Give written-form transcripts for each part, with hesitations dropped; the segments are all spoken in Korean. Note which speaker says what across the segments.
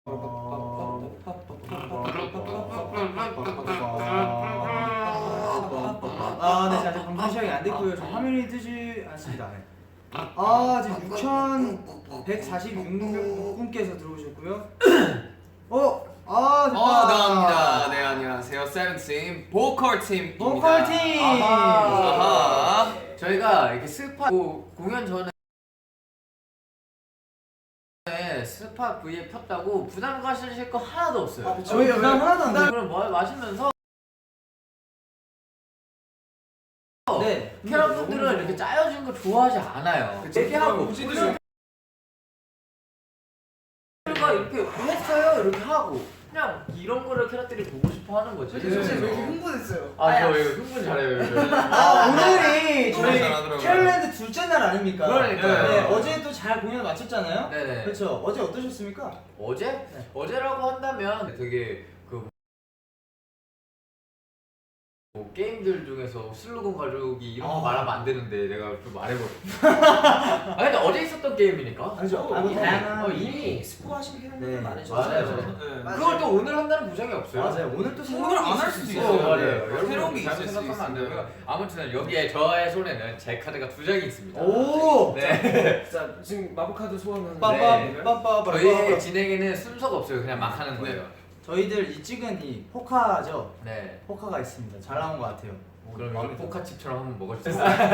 Speaker 1: 네, 자, 아직 방송 시작이 안 됐고요. 저 화면이 뜨지 않습니다. 네. 지금 6,146분께서 들어오셨고요.
Speaker 2: 나옵니다. 네, 안녕하세요. 세븐팀 보컬 팀입니다.
Speaker 1: 보컬 팀.
Speaker 2: 아하. 저희가 이렇게 스파 공연 전에 스파 V에 폈다고 부담 가실 거 하나도 없어요.
Speaker 1: 저희 부담 하나도 안 돼요.
Speaker 2: 그럼 뭐 마시면서
Speaker 1: 네.
Speaker 2: 캐럿분들은 이렇게 짜여진 거 좋아하지 않아요. 얘기하고 가 이렇게 했어요 이렇게 하고 그냥 이런 거를 캐럿들이 보고 싶어 하는 거지.
Speaker 3: 진짜 왜 이렇게 흥분했어요?
Speaker 2: 저 이거 흥분 잘해요.
Speaker 1: 오늘이 저희
Speaker 2: 잘하더라고요.
Speaker 1: 캐롤랜드 둘째 날 아닙니까?
Speaker 2: 그러니까요.
Speaker 1: 네, 어제 또 잘 공연 마쳤잖아요.
Speaker 2: 네네.
Speaker 1: 그렇죠. 어제 어떠셨습니까?
Speaker 2: 어제?
Speaker 1: 네.
Speaker 2: 어제라고 한다면 되게 뭐 게임들 중에서 슬로건 가족이 이런 거 말하면 안 되는데 내가 좀 말해버렸어. 근데 어제 있었던 게임이니까.
Speaker 1: 아니죠.
Speaker 2: 이미
Speaker 3: 스포하신
Speaker 1: 네.
Speaker 3: 팬분들 많으셔서
Speaker 2: 맞아요. 그걸 또 오늘 한다는 보장이 없어요.
Speaker 1: 맞아요. 오늘 또
Speaker 3: 오늘 안 할 수도 있어요.
Speaker 2: 맞아요.
Speaker 3: 네.
Speaker 2: 여러분
Speaker 3: 새로운 게
Speaker 2: 잘못
Speaker 3: 있을 수
Speaker 2: 생각하면 안
Speaker 3: 있습니다.
Speaker 2: 되고요. 아무튼 여기에 저의 손에는 제 카드가 2장이 있습니다.
Speaker 1: 오!
Speaker 2: 네.
Speaker 3: 자, 지금 마법카드 소환하는
Speaker 2: 저희의 진행에는 순서가 없어요. 그냥 막 하는 거예요.
Speaker 1: 저희들 이 찍은 이 포카죠.
Speaker 2: 네.
Speaker 1: 포카가 있습니다. 잘 나온 것 같아요.
Speaker 2: 그럼
Speaker 1: 마음에
Speaker 2: 여기 포카칩처럼 한번 먹어주세요.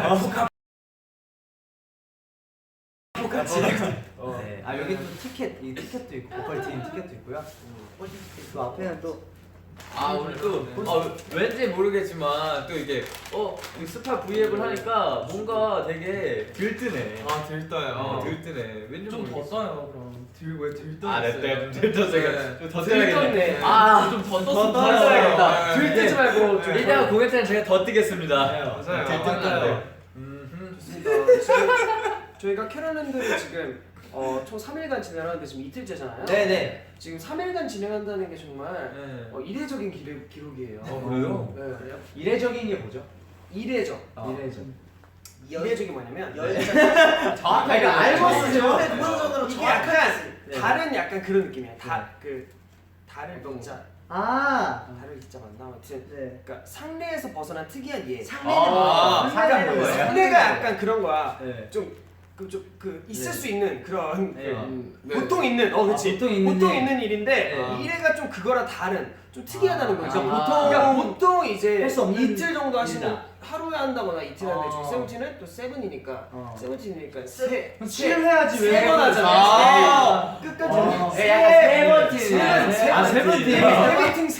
Speaker 1: 포카치. 네. 여기 또 이 티켓도 있고 보컬 팀 티켓도 있고요. 그 앞에는 또
Speaker 2: 오늘 또 왠지 모르겠지만 또 이게 이 스파 V앱을 하니까 뭔가 되게 들뜨네.
Speaker 3: 들떠요.
Speaker 2: 들뜨네. 왠지
Speaker 3: 좀
Speaker 2: 모르겠어.
Speaker 3: 더 떠요, 그럼. 왜 들떠?
Speaker 2: 좀 들떴어요.
Speaker 3: 좀더
Speaker 2: 떠야겠네.
Speaker 3: 좀더
Speaker 2: 더 떠야겠다.
Speaker 3: 들뜨지 말고 좀
Speaker 2: 이따가 공연 때는 제가 더 뜨겠습니다.
Speaker 3: 맞아요.
Speaker 2: 들뜬다.
Speaker 3: 좋습니다. 지금 저희가 캐럴랜드를 지금 총 3일간 진행하는데 지금 이틀째잖아요.
Speaker 1: 네네.
Speaker 3: 지금 3일간 진행한다는 게 정말
Speaker 2: 네.
Speaker 3: 이례적인 기록이에요.
Speaker 2: 그래요?
Speaker 3: 네, 그래요?
Speaker 1: 이례적인 게 뭐죠?
Speaker 3: 이례적.
Speaker 1: 이례적.
Speaker 3: 이례적이 뭐냐면
Speaker 2: 정확하게
Speaker 1: 알고 쓰죠.
Speaker 3: 이게 약간
Speaker 1: 네.
Speaker 3: 다른 약간 그런 느낌이야. 다른 글자. 다른 글자 맞나? 아무튼
Speaker 1: 네.
Speaker 3: 그러니까 상례에서 벗어난 특이한 예.
Speaker 1: 상례는 뭐예요?
Speaker 3: 상례가 약간 그런 거야.
Speaker 1: 네.
Speaker 3: 있을 수 있는 그런
Speaker 1: 네.
Speaker 3: 보통 있는 그렇지
Speaker 1: 보통 있는
Speaker 3: 보통
Speaker 1: 일.
Speaker 3: 있는 일인데
Speaker 1: 네.
Speaker 3: 이래가 좀 그거랑 다른 좀 특이하다는 거죠.
Speaker 1: 그러니까
Speaker 3: 보통 이제
Speaker 1: 할수 없는
Speaker 3: 이틀 정도 하시면
Speaker 1: 일이다.
Speaker 3: 하루에 한다거나 이틀 하는데 저희 세븐틴은 또 세븐이니까 세븐틴이니까
Speaker 1: 칠을 해야지 왜?
Speaker 3: 3번 하잖아요. 끝까지 세븐틴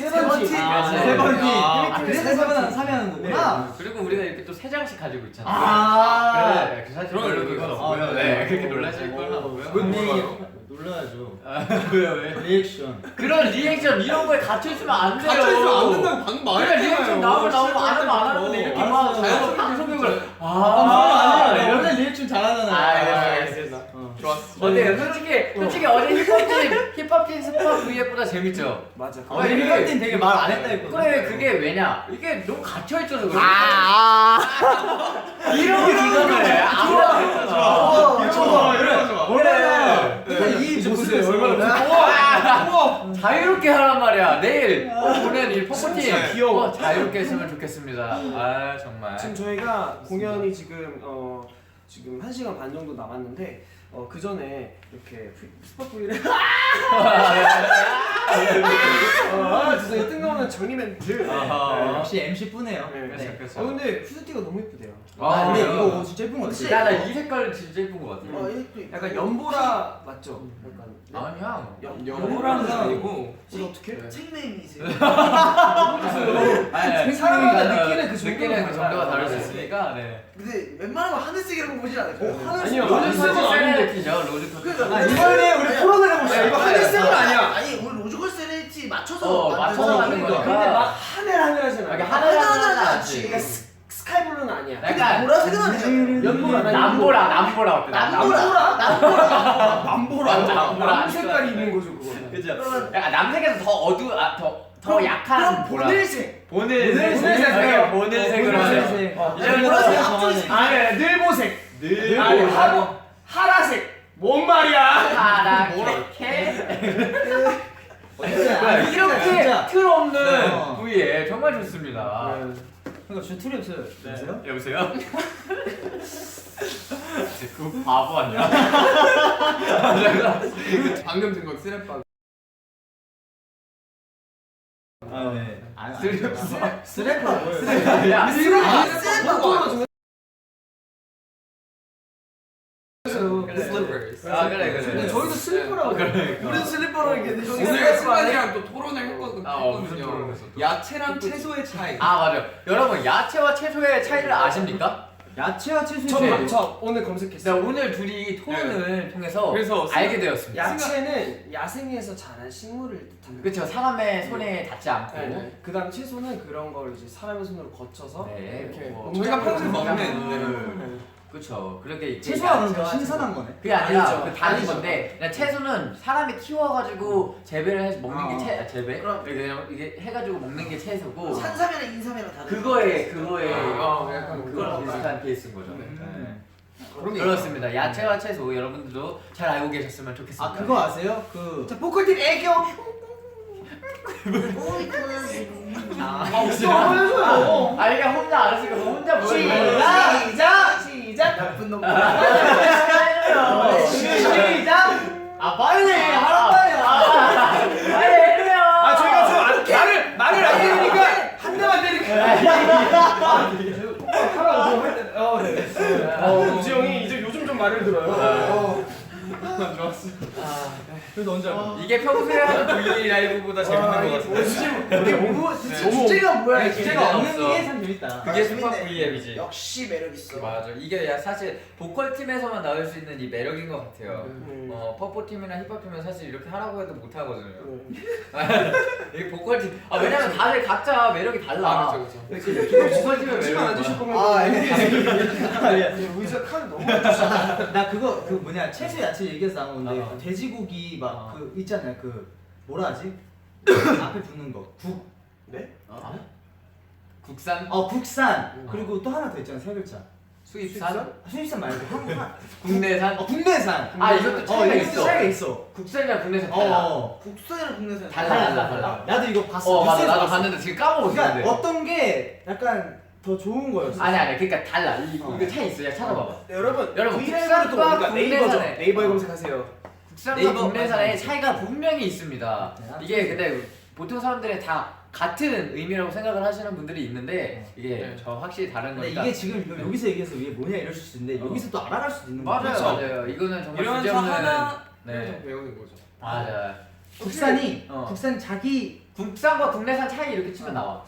Speaker 1: 그래서 세번 사면 거구나.
Speaker 2: 그리고 우리가 이렇게 또 3장씩 가지고 있잖아요. 네, 사실 별로 그건 없고요. 네, 그렇게 놀라실 건 없고요.
Speaker 1: 놀라야죠.
Speaker 2: 왜?
Speaker 1: 리액션.
Speaker 2: 그런 리액션 이런 거에 갇혀있으면 안 돼요.
Speaker 3: 갇혀있으면 안 된다고 방금
Speaker 2: 그냥 리액션 나오면 안 하면 안 하는데 이렇게 막
Speaker 1: 알았어요.
Speaker 2: 방송국을
Speaker 1: 아니야. 원래 리액션 잘하잖아.
Speaker 2: 알겠습니다.
Speaker 3: 좋았어.
Speaker 2: 어때요? 솔직히 어제 힙합팀 스파 V앱보다 재밌죠?
Speaker 3: 맞아.
Speaker 1: 힙합팀 되게 말 안 했다 했거든.
Speaker 2: 그래 그게 왜냐? 이게 너무 갇혀있어서 그래. 이런 기간을
Speaker 1: 좋아.
Speaker 2: 그래.
Speaker 1: 이 모습이 얼마나
Speaker 2: 우와! 자유롭게 하란 말이야. 내일 보는 이 포커팀
Speaker 3: 진짜 귀여워.
Speaker 2: 자유롭게 했으면 좋겠습니다. 정말.
Speaker 3: 지금 저희가 공연이 지금 1시간 반 정도 남았는데 그 전에 이렇게 스팟 V를 죄송해요. 뜬금없는 정리 멘트.
Speaker 1: 역시 MC 뿌네요.
Speaker 3: 네.
Speaker 2: 그래서.
Speaker 3: 근데 후드티가 너무 예쁘대요.
Speaker 1: 근데
Speaker 2: 그래요?
Speaker 1: 이거 진짜 예쁜 거 같아.
Speaker 2: 나이 색깔 진짜 예쁜 것 같아.
Speaker 3: 약간 연보라 맞죠? 약간
Speaker 2: 아니야.
Speaker 3: 연보라는 아니고 어떻게?
Speaker 4: 책네임이세요.
Speaker 3: 사람마다 느끼는
Speaker 2: 그 정도가 다를 수 있으니까. 네.
Speaker 4: 근데 웬만하면 하늘색이라고 보지 않아요?
Speaker 3: 아니요.
Speaker 2: 로즈색은
Speaker 3: 아닌데.
Speaker 2: 아닌데죠. 로즈색은.
Speaker 1: 이번에 우리 풀어내려 봅시다.
Speaker 3: 이거 하늘색은 아니야.
Speaker 4: 아니 우리 로즈걸 세레티 맞춰서
Speaker 2: 맞춰서 만든 거니까.
Speaker 3: 근데 막 하늘하잖아.
Speaker 2: 이게
Speaker 4: 하늘하늘하지
Speaker 2: 하늘하지.
Speaker 4: 않지.
Speaker 3: 그러니까 스카이블루는 아니야.
Speaker 2: 약간
Speaker 4: 보라색은 아니잖아.
Speaker 3: 연보라.
Speaker 2: 남보라 어때? 남보라.
Speaker 3: 남 색깔이 있는 거죠 그거는.
Speaker 2: 그죠? 약간 남색에서 더 약한 보라.
Speaker 3: 보늘색.
Speaker 2: 보늘색. 보늘색으로 하죠.
Speaker 1: 보라색
Speaker 3: 아니 늘보색. 하라색. 뭔 말이야?
Speaker 2: 파랗게
Speaker 1: 진짜
Speaker 2: 이렇게
Speaker 1: 진짜.
Speaker 2: 틀 없는
Speaker 1: 네.
Speaker 2: V에 정말 좋습니다.
Speaker 1: 그러니까 진짜 틀이 없어요. 여보세요?
Speaker 2: 여보세요? 그 바보 아니야?
Speaker 5: 방금 든 건 스냅박.
Speaker 1: 아 네.
Speaker 2: 스냅.
Speaker 1: 스래퍼 뭐예요?
Speaker 2: 야,
Speaker 5: 슬리퍼스.
Speaker 2: 아 그래 그래.
Speaker 3: 근데 저희도 슬리퍼라고.
Speaker 4: 우린 슬리퍼로 이렇게
Speaker 5: 오늘 승관이랑 또 토론을 했거든요.
Speaker 2: 무슨 토론을 했어?
Speaker 5: 야채랑 채소의 차이.
Speaker 2: 아 맞아요. 여러분 야채와 채소의 차이를 아십니까?
Speaker 1: 야채와 채소의
Speaker 3: 저 오늘
Speaker 2: 네,
Speaker 3: 검색했어요.
Speaker 2: 오늘 둘이 토론을 통해서
Speaker 5: 그래서
Speaker 2: 알게 되었습니다.
Speaker 3: 야채는 야생에서 자란 식물을 뜻합니다.
Speaker 2: 그렇죠. 사람의 손에 닿지 않고.
Speaker 3: 그다음 채소는 그런 걸 이제 사람의 손으로 거쳐서
Speaker 2: 네.
Speaker 3: 이렇게
Speaker 2: 뭐
Speaker 5: 저희가 평소에
Speaker 3: 농작물을
Speaker 5: 먹는
Speaker 2: 그렇죠. 그렇게
Speaker 1: 채소가 그럼
Speaker 2: 야채와
Speaker 1: 신선한
Speaker 2: 채소.
Speaker 1: 거네.
Speaker 2: 그게 아니라
Speaker 3: 아니죠.
Speaker 2: 그 다른
Speaker 3: 아니죠.
Speaker 2: 건데 그냥 채소는 사람이 키워가지고 재배를 해서 먹는 게 재배?
Speaker 4: 그럼.
Speaker 2: 그냥 이게 해가지고 먹는 게 채소고
Speaker 4: 산삼이랑 인삼이랑 다른
Speaker 2: 그거에
Speaker 5: 약간
Speaker 2: 그거랑 비슷한 케이스인 거죠.
Speaker 5: 그런 게
Speaker 2: 그렇습니다. 야채와 채소 여러분들도 잘 알고 계셨으면 좋겠습니다.
Speaker 1: 아 그거 아세요? 그
Speaker 4: 자 보컬팀 애교
Speaker 2: 아 이게 혼자 알았으니까 혼자 뭐야?
Speaker 4: 시작 나쁜 놈
Speaker 1: 시작.
Speaker 2: 아 빨리
Speaker 1: 하란 말이야.
Speaker 2: 빨리 해요.
Speaker 3: 아 저희가 좀 말을 안 들으니까 한 대만 때리니까. 우지 형이 이제 요즘 좀 말을 들어요.
Speaker 5: 좋았어.
Speaker 1: 그래서 언제 알고?
Speaker 2: 이게 평소에 하는 V 라이브보다 재밌는 것 같은데.
Speaker 4: 이게 뭐 주제가 뭐야 이게
Speaker 2: 주제가
Speaker 1: 없는
Speaker 2: 없어.
Speaker 1: 게 참 재밌다.
Speaker 2: 그게
Speaker 4: 재밌네.
Speaker 2: 슈퍼 V앱이지.
Speaker 4: 역시 매력 있어
Speaker 2: 맞아. 이게 사실 보컬 팀에서만 나올 수 있는 이 매력인 것 같아요. 퍼포 팀이나 힙합 팀은 사실 이렇게 하라고 해도 못 하거든요. 이 보컬 팀. 아 왜냐면 다들 각자 매력이 달라.
Speaker 5: 아 그렇죠 그렇죠.
Speaker 2: 보컬 팀의
Speaker 3: 치면 안
Speaker 2: 매력이
Speaker 3: 드실
Speaker 2: 달라.
Speaker 3: 거면 의자 칸 너무
Speaker 1: 나 그거 그 뭐냐 채소 야채 얘기해서 나온 건데
Speaker 2: 어.
Speaker 1: 돼지고기 막
Speaker 2: 어.
Speaker 1: 그 있잖아요 그 뭐라 하지 앞에 붙는 거국
Speaker 3: 네?
Speaker 2: 국산
Speaker 1: 국산 그리고 또 하나 더 있잖아 세 글자
Speaker 2: 수입산
Speaker 1: 수입산 말고 한국
Speaker 2: 국내산.
Speaker 1: 국내산
Speaker 2: 아 이것도 차이가
Speaker 1: 이것도
Speaker 2: 있어.
Speaker 1: 차이가 있어
Speaker 2: 국산이랑 국내산 달라.
Speaker 4: 국산이랑 국내산
Speaker 2: 달라.
Speaker 1: 나도 이거 봤어
Speaker 2: 맞아
Speaker 1: 뉴스에서
Speaker 2: 나도
Speaker 1: 봤어.
Speaker 2: 봤는데 지금 까먹었어.
Speaker 1: 그러니까
Speaker 2: 근데.
Speaker 1: 어떤 게 약간 더 좋은 거였어
Speaker 2: 아니 그러니까 달라. 이거 차이 있어. 야 찾아봐봐.
Speaker 3: 여러분
Speaker 2: 여러분,
Speaker 3: 브이라이브로 또
Speaker 2: 국산과
Speaker 3: 보니까 네이버죠.
Speaker 2: 국내산에.
Speaker 3: 네이버에 검색하세요.
Speaker 2: 국산과
Speaker 1: 네이버
Speaker 2: 국내산의
Speaker 1: 맞아.
Speaker 2: 차이가 분명히 있습니다.
Speaker 1: 네,
Speaker 2: 이게 근데 보통 사람들이 다 같은 의미라고 생각을 하시는 분들이 있는데 이게
Speaker 5: 네.
Speaker 2: 저 확실히 다른
Speaker 1: 근데
Speaker 2: 거니까.
Speaker 1: 이게 지금 여기서 얘기해서 이게 뭐냐 이러실 수 있는데 여기서 또 알아갈 수도 있는 거야
Speaker 2: 맞아요, 맞아요. 이거는 정말
Speaker 5: 이러면서
Speaker 2: 주제없는
Speaker 5: 하나
Speaker 2: 네,
Speaker 5: 배우는 거죠.
Speaker 2: 맞아요.
Speaker 1: 국산이
Speaker 2: 어.
Speaker 1: 국산 자기
Speaker 2: 국산과 국내산 차이 이렇게 치면 나와.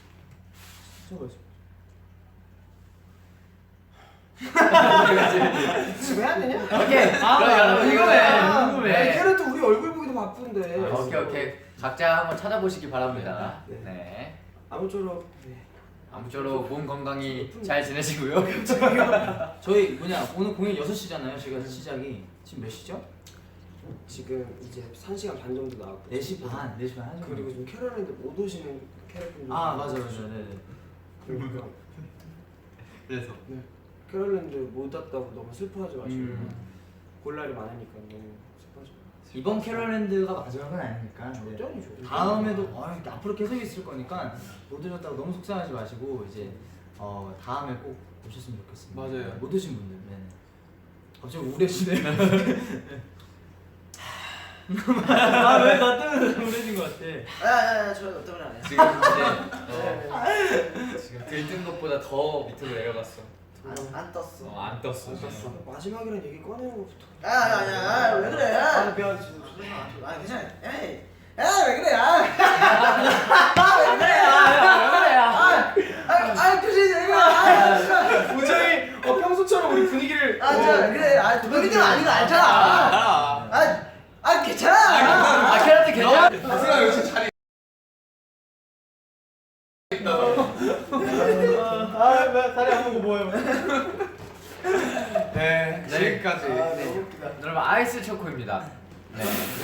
Speaker 3: 지금 해야 되냐?
Speaker 2: 오케이. 그럼 여러분 이거는 궁금해.
Speaker 3: 캐럿도 우리 얼굴 보기도 바쁜데.
Speaker 2: 오케이. 각자 한번 찾아보시기 바랍니다.
Speaker 3: 네.
Speaker 2: 네.
Speaker 3: 아무쪼록
Speaker 2: 아무쪼록 몸 건강히 잘 지내시고요.
Speaker 1: 저희 뭐냐 오늘 공연 6시잖아요 저희가 시작이 지금 몇 시죠?
Speaker 3: 지금 이제 1시간 반 정도 나왔고
Speaker 1: 4시 반 4시 반 하죠
Speaker 3: 그리고 좀 캐럿인데 못 오시는 캐럿분들
Speaker 1: 맞아 네네
Speaker 3: 그러니까
Speaker 2: 그래서
Speaker 3: 캐럿랜드 못 왔다고 너무 슬퍼하지 마시고 볼 날이 많으니까 너무 슬퍼하지 마세요.
Speaker 1: 이번 캐럴랜드가 마지막은 아니니까 네.
Speaker 3: 절대 아니죠.
Speaker 1: 다음에도 앞으로 계속 있을 거니까 못 오셨다고 너무 속상하지 마시고 이제 다음에 꼭 오셨으면 좋겠습니다.
Speaker 5: 맞아요.
Speaker 1: 못 오신 분들. 네. 갑자기 우울해지네. 아왜 나 때문에 우울해진 것 같아.
Speaker 4: 야야야 저 때문에 안 해.
Speaker 2: 지금 이제 지금 들뜬 것보다 더 밑으로 내려갔어.
Speaker 4: 안 떴어
Speaker 2: 안 떴어.
Speaker 3: 마지막이란 얘기 꺼내는 것부터.
Speaker 4: 야야야 왜 그래 야
Speaker 3: 미안.
Speaker 4: 아 괜찮아 에이 야왜 그래 야왜 그래 표정이 왜 그래
Speaker 3: 우정이 평소처럼 우리 분위기를
Speaker 4: 그래 너희들은 아닌 거 알잖아 괜찮아
Speaker 2: 아 캐럿 괜찮아?
Speaker 5: 생각 역시 자리.
Speaker 1: 다리 안 보고 뭐예요?
Speaker 5: 네 지금까지.
Speaker 4: 너무 웃기다
Speaker 2: 여러분 아이스 초코입니다. 네.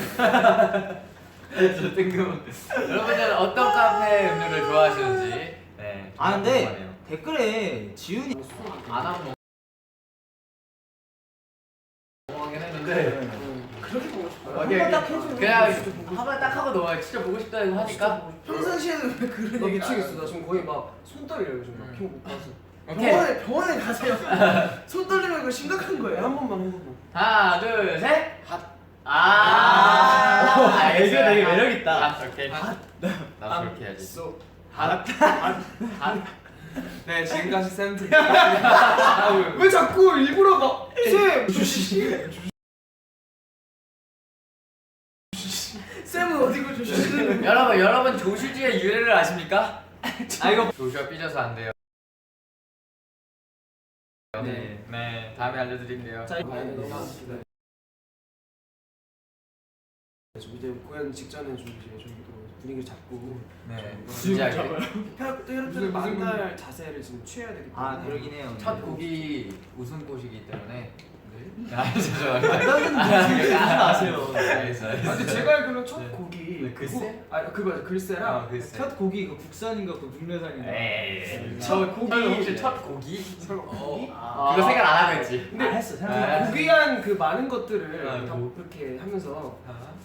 Speaker 2: 저 뜬금. 여러분들은 어떤 카페 음료를 좋아하시는지. 네.
Speaker 1: 근데
Speaker 2: 궁금하네요.
Speaker 1: 댓글에 지훈이
Speaker 2: 안 하고 먹긴 했는데 네.
Speaker 3: 그렇게 보고 싶어요.
Speaker 1: 한번 딱 해주면
Speaker 2: 그냥 한 번 딱 하고 넘어요. 진짜 보고 싶다 이거 하니까.
Speaker 4: 평상시에는 왜 그런
Speaker 3: 나
Speaker 4: 얘기를 안
Speaker 3: 미치겠어. 나 지금 거의 막 손 떨려요 요즘 막 키워 못 가서.
Speaker 2: 오케이.
Speaker 4: 병원에 가세요. 손 떨리면 이거 심각한 거예요.
Speaker 3: 한 번만.
Speaker 2: 하나, 둘, 셋.
Speaker 1: 애교 되게 매력 있다.
Speaker 2: 아, 오케이. 나 그렇게 해야지.
Speaker 3: 쏘.
Speaker 5: 네, 지금까지 쌤들.
Speaker 3: 왜 자꾸 일부러 막 쌤!
Speaker 4: 쌤은 어디고 조심히.
Speaker 2: 여러분 조슈지의 유래를 아십니까? 아 이거 조슈가 삐져서 안 돼요. 네, 다음에 알려드릴게요.
Speaker 3: 자, 이거 이제 공연 직전에 좀 이제 저희도 분위기를 잡고
Speaker 2: 네,
Speaker 3: 진짜
Speaker 2: 진짜
Speaker 3: 여러분들 만날 자세를 지금 취해야 되기 때문에.
Speaker 1: 아 그러긴 해요.
Speaker 2: 첫 곡이 웃음꽃이기 때문에. 아 죄송합니다.
Speaker 1: 나는 무슨 아세요?
Speaker 2: 알겠어요.
Speaker 3: 근데 제가 알기로는 첫 곡이
Speaker 2: 네, 글쎄?
Speaker 3: 그거 글쎄랑
Speaker 2: 글쎄.
Speaker 1: 첫 곡이 그 국산인가 그 국내산인가?
Speaker 2: 에이.
Speaker 3: 첫 곡이
Speaker 2: 혹시 첫 곡이?
Speaker 3: 설마 곡이?
Speaker 2: 그거 생각 안 하고 했지.
Speaker 1: 근데 했어.
Speaker 2: 아.
Speaker 1: 생각.
Speaker 3: 고귀한 그 많은 것들을
Speaker 2: 아,
Speaker 3: 다
Speaker 2: 뭐.
Speaker 3: 그렇게 하면서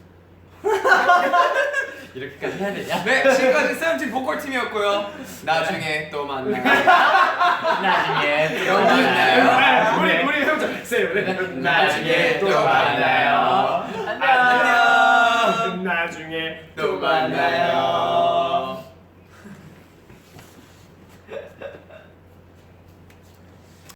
Speaker 2: 이렇게까지 해야 되냐?
Speaker 5: 네, 지금까지 쌤팀 보컬 팀이었고요. 나중에 또 만나요.
Speaker 2: 나중에 또 만나요.
Speaker 3: 우리 형제 쌤
Speaker 2: 나중에 또 만나요. 안녕.
Speaker 3: 나중에
Speaker 2: 또 만나요.